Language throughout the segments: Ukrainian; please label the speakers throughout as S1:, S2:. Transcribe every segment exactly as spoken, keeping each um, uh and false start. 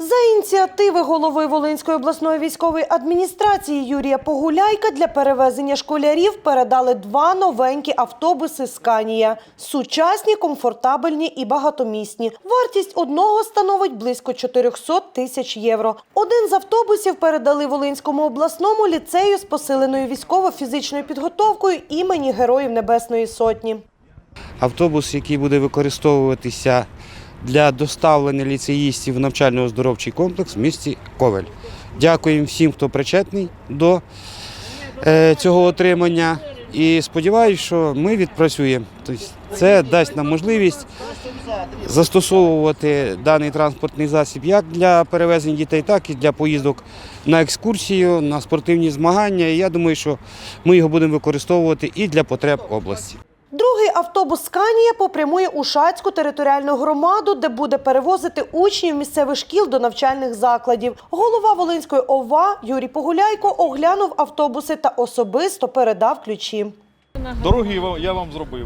S1: За ініціативи голови Волинської обласної військової адміністрації Юрія Погуляйка для перевезення школярів передали два новенькі автобуси «Сканія». Сучасні, комфортабельні і багатомісні. Вартість одного становить близько чотириста тисяч євро. Один з автобусів передали Волинському обласному ліцею з посиленою військово-фізичною підготовкою імені Героїв Небесної Сотні.
S2: Автобус, який буде використовуватися для доставлення ліцеїстів в навчально-оздоровчий комплекс в місті Ковель. Дякуємо всім, хто причетний до е, цього отримання. І сподіваюся, що ми відпрацюємо. Тобто це дасть нам можливість застосовувати даний транспортний засіб як для перевезення дітей, так і для поїздок на екскурсію, на спортивні змагання. І я думаю, що ми його будемо використовувати і для потреб області.
S1: Другий автобус «Сканія» попрямує у Шацьку територіальну громаду, де буде перевозити учнів місцевих шкіл до навчальних закладів. Голова Волинської ОВА Юрій Погуляйко оглянув автобуси та особисто передав ключі.
S3: Дороги я вам зробив.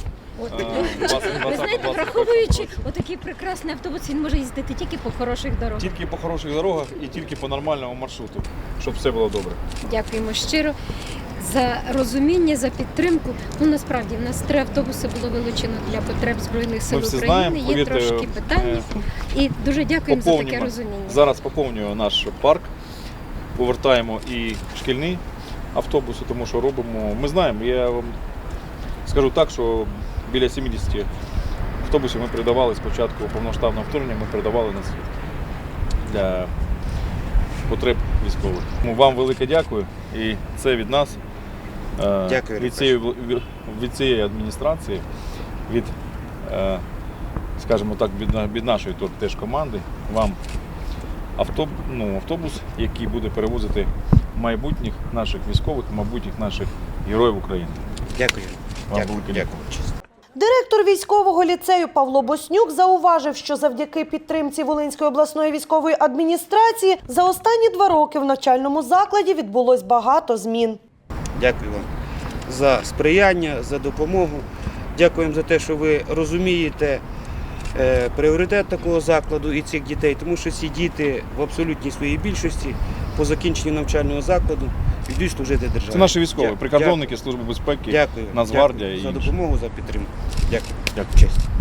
S4: Ви знаєте, враховуючи отакий прекрасний автобус, він може їздити тільки по хороших дорогах.
S3: Тільки по хороших дорогах і тільки по нормальному маршруту, щоб все було добре.
S4: Дякуємо щиро за розуміння, за підтримку. Ну, насправді, в нас три автобуси було вилучено для потреб Збройних сил
S3: Ми всі
S4: України.
S3: знаємо,
S4: Є
S3: повірте,
S4: трошки питання. І дуже дякуємо за таке розуміння.
S3: Зараз поповнюємо наш парк, повертаємо і шкільні автобуси, тому що робимо. Ми знаємо, я вам скажу так, що біля сімдесят автобусів ми передавали спочатку повномасштабного вторгнення, ми передавали на світ для потреб військових. Вам велике дякую, і це від нас,
S2: Дякую,
S3: від цієї, від цієї адміністрації, від, скажімо так, від, від нашої теж команди, вам автобус, ну, автобус, який буде перевозити майбутніх наших військових, майбутніх наших героїв України.
S2: Дякую.
S3: Вам
S2: Дякую.
S3: велике дякую.
S1: Директор військового ліцею Павло Боснюк зауважив, що завдяки підтримці Волинської обласної військової адміністрації за останні два роки в навчальному закладі відбулось багато змін.
S2: Дякую вам за сприяння, за допомогу. Дякуємо за те, що ви розумієте е, пріоритет такого закладу і цих дітей, тому що ці діти в абсолютній своїй більшості по закінченню навчального закладу йдуть служити державі.
S3: Це наші військові,
S2: Дякую.
S3: прикордонники, Служби безпеки,
S2: Дякую.
S3: Нацгвардія
S2: Дякую
S3: і
S2: за
S3: інші.
S2: допомогу, за підтримку. Дякую.
S3: Дякую.
S2: Честь.